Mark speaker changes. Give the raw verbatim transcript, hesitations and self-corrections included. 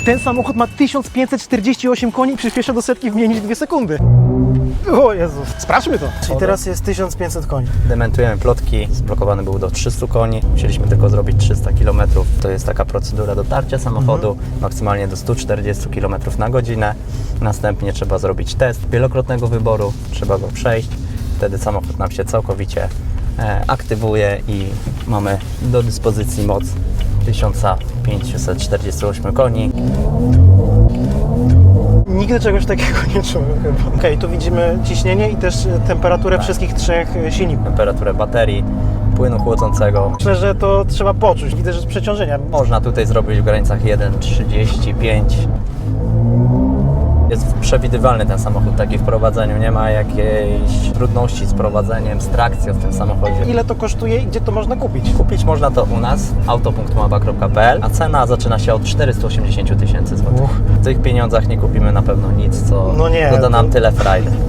Speaker 1: Ten samochód ma tysiąc pięćset czterdzieści osiem koni i przyspiesza do setki w mniej niż dwie sekundy. O Jezus, sprawdźmy to. Czyli teraz jest tysiąc pięćset koni.
Speaker 2: Dementujemy plotki, zblokowany był do trzystu koni, musieliśmy tylko zrobić trzysta kilometrów. To jest taka procedura dotarcia samochodu, mhm. maksymalnie do stu czterdziestu kilometrów na godzinę. Następnie trzeba zrobić test wielokrotnego wyboru, trzeba go przejść. Wtedy samochód nam się całkowicie e, aktywuje i mamy do dyspozycji moc tysiąc pięćset czterdzieści osiem koni.
Speaker 1: Nigdy czegoś takiego nie czułem chyba. Okej, okay, tu widzimy ciśnienie i też temperaturę
Speaker 2: tak.
Speaker 1: wszystkich trzech silników.
Speaker 2: Temperaturę baterii, płynu chłodzącego.
Speaker 1: Myślę, że to trzeba poczuć. Widzę, że z przeciążenia.
Speaker 2: Można tutaj zrobić w granicach jeden trzydzieści pięć. Jest przewidywalny ten samochód, taki w prowadzeniu, nie ma jakiejś trudności z prowadzeniem, z trakcją w tym samochodzie.
Speaker 1: Ile to kosztuje i gdzie to można kupić?
Speaker 2: Kupić można to u nas, auto punkt mapa kropka p l, a cena zaczyna się od czterystu osiemdziesięciu tysięcy złotych. W tych pieniądzach nie kupimy na pewno nic, co
Speaker 1: no nie,
Speaker 2: doda nam
Speaker 1: to...
Speaker 2: tyle frajdy.